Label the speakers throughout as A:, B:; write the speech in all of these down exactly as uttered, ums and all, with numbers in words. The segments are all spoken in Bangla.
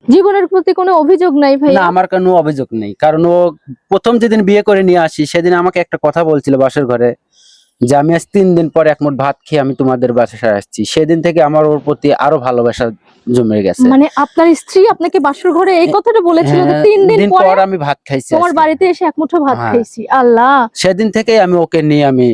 A: জীবনের প্রতি কোনো অভিযোগ নাই ভাই?
B: না, আমার কোনো অভিযোগ নেই, কারণ ও প্রথম যেদিন বিয়ে করে নিয়ে আসি সেদিন আমাকে একটা কথা বলছিল বাসর ঘরে, যে আমি আজ তিন দিন পর এক মুঠ ভাত খেয়ে আমি তোমাদের বাসায় আসছি। সেদিন থেকে আমার ওর প্রতি আরো ভালোবাসা জমে গেছে।
A: মানে আপনার স্ত্রী আপনাকে বাসর ঘরে এই কথাটা বলেছিল যে
B: হ্যাঁ,
A: তিন দিন
B: দিন
A: পরে
B: পর আমি ভাত খাইছি
A: তোমার
B: আজকে।
A: বাড়িতে এসে এক মুঠো ভাত
B: হ্যাঁ।
A: খাইছি? আল্লাহ!
B: সেদিন থেকে আমি ওকে নিয়ে আমি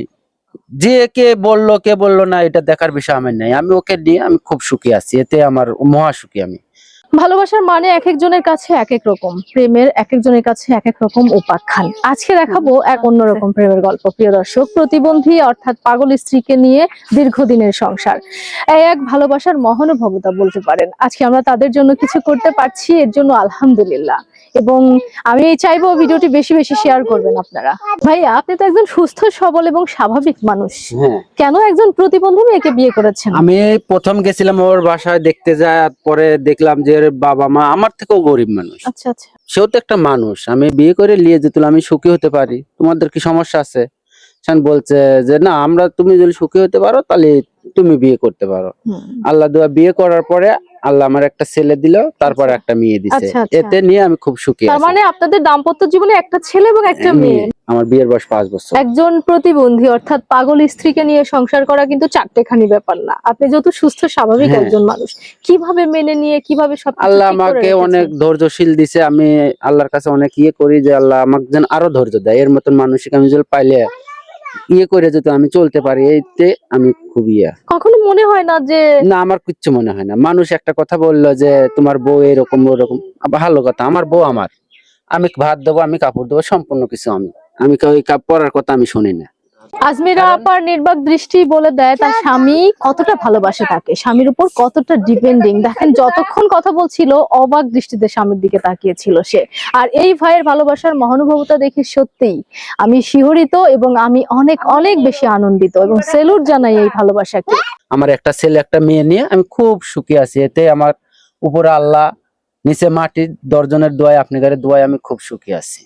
B: যে কে বললো কে বললো না এটা দেখার বিষয় আমার নেই, আমি ওকে নিয়ে আমি খুব সুখী আছি, এতে আমার মহা সুখী আমি।
A: ভালোবাসার মানে এক একজনের কাছে এক এক রকম, প্রেমের এক একজনের কাছে এক এক রকম উপাখ্যান। আজকে দেখাবো এক অন্যরকম প্রেমের গল্প। প্রিয় দর্শক, প্রতিবন্ধী অর্থাৎ পাগল স্ত্রীকে নিয়ে দীর্ঘদিনের সংসার, এই এক ভালোবাসার মহানুভবতা বলতে পারেন। আজকে আমরা তাদের জন্য কিছু করতে পারছি, এর জন্য আলহামদুলিল্লাহ। এবং আমি চাইবো ভিডিওটি বেশি বেশি শেয়ার করবেন আপনারা। ভাইয়া, আপনি তো একজন সুস্থ সবল এবং স্বাভাবিক মানুষ,
B: হ্যাঁ,
A: কেন একজন প্রতিবন্ধী মেয়েকে বিয়ে করেছেন?
B: আমি প্রথম গেছিলাম ওর বাসায় দেখতে যায়, পরে দেখলাম যে ওর বাবা মা আমার থেকেও গরিব মানুষ,
A: আচ্ছা আচ্ছা।
B: সেও তো একটা মানুষ, আমি বিয়ে করে নিয়ে যেত আমি সুখী হতে পারি, তোমাদের কি সমস্যা আছে? সেন বলছে যে না, আমরা তুমি যদি সুখী হতে পারো তাহলে তুমি বিয়ে করতে পারো।
A: হুম।
B: আল্লাহ দুয়া বিয়ে করার পরে আল্লাহ আমার একটা ছেলে দিল, তারপরে
A: আচ্ছা।
B: একটা মেয়ে দিছে,
A: আচ্ছা, আচ্ছা।
B: এতে নিয়ে আমি খুব সুখী
A: তার
B: আছি।
A: মানে আপনাদের দাম্পত্য জীবনে একটা ছেলে এবং একটা মেয়ে।
B: আমার বিয়ের বয়স পাঁচ বছর।
A: একজন প্রতিবন্ধী অর্থাৎ পাগল স্ত্রীকে নিয়ে সংসার করা কিন্তু চারটেখানি ব্যাপার না। আপনি যেহেতু সুস্থ স্বাভাবিক
B: হ্যাঁ।
A: একজন মানুষ, কিভাবে মেনে নিয়ে কিভাবে সব
B: আল্লাহ আমাকে অনেক ধৈর্যশীল দিছে, আমি আল্লাহর কাছে অনেক ইয়ে করি যে আল্লাহ আমাকে যেন আরো ধৈর্য দেয়, এর মতন মানসিক আমি যদি পাইলে ইয়ে করে যদি আমি চলতে পারি, এইতে আমি খুব ইয়ে।
A: কখনো মনে হয় না যে
B: না, আমার কিচ্ছু মনে হয় না। মানুষ একটা কথা বললো যে তোমার বউ এরকম ওরকম, ভালো কথা, আমার বউ আমার, আমি ভাত দেবো, আমি কাপড় দেবো, সম্পূর্ণ কিছু আমি আমি ওই কাপড় পরার কথা আমি শুনি না।
A: আজমিরা আপার নির্বাক দৃষ্টি বলে দেয় তার স্বামী কতটা ভালোবাসে তাকে, স্বামীর উপর কতটা ডিপেন্ডিং। দেখেন, যতক্ষণ কথা বলছিল অবাক দৃষ্টিতে স্বামীর দিকে তাকিয়েছিল সে। আর এই ভাইয়ের ভালোবাসার মহানুভবতা দেখে সত্যিই আমি শিহরিত এবং আমি অনেক অনেক বেশি আনন্দিত এবং সেলুট জানাই এই ভালোবাসাকে।
B: আমার একটা ছেলে একটা মেয়ে নিয়ে আমি খুব সুখী আছি, এতে আমার উপরে আল্লাহ, নিচে মাটির দর্জনের দোয়ায় আপনাদের দোয়ায় আমি খুব সুখী আছি।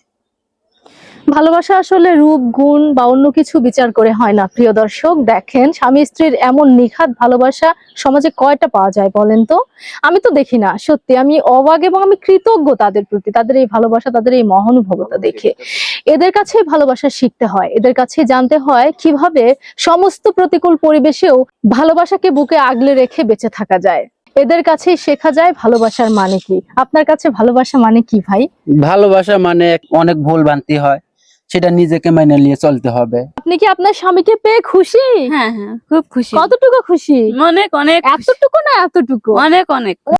A: ভালোবাসা আসলে রূপ গুণ বা অন্য কিছু বিচার করে হয় না। প্রিয় দর্শক, দেখেন স্বামী স্ত্রীর এমন নিখাত ভালোবাসা সমাজে কয়টা পাওয়া যায় বলেন তো? আমি তো দেখি না। সত্যি আমি অবাক এবং আমি কৃতজ্ঞ তাদের প্রতি, তাদের এই ভালোবাসা, তাদের এই মহানুভবতা দেখে। এদের কাছে ভালোবাসা শিখতে হয়, এদের কাছে জানতে হয় কিভাবে সমস্ত প্রতিকূল পরিবেশেও ভালোবাসাকে বুকে আগলে রেখে বেঁচে থাকা যায়। এদের কাছেই শেখা যায় ভালোবাসার মানে কি। আপনার কাছে ভালোবাসা মানে কি ভাই?
B: ভালোবাসা মানে অনেক ভুল ভ্রান্তি হয়, সেটা নিজেকে মেনে নিয়ে চলতে হবে।
A: আপনি কি আপনার স্বামীকে পেয়ে খুশি?
C: হ্যাঁ হ্যাঁ, খুব খুশি,
A: কতটুকু খুশি?
C: অনেক অনেক খুশি।
A: এতটুকু না এতটুকু?
C: অনেক অনেক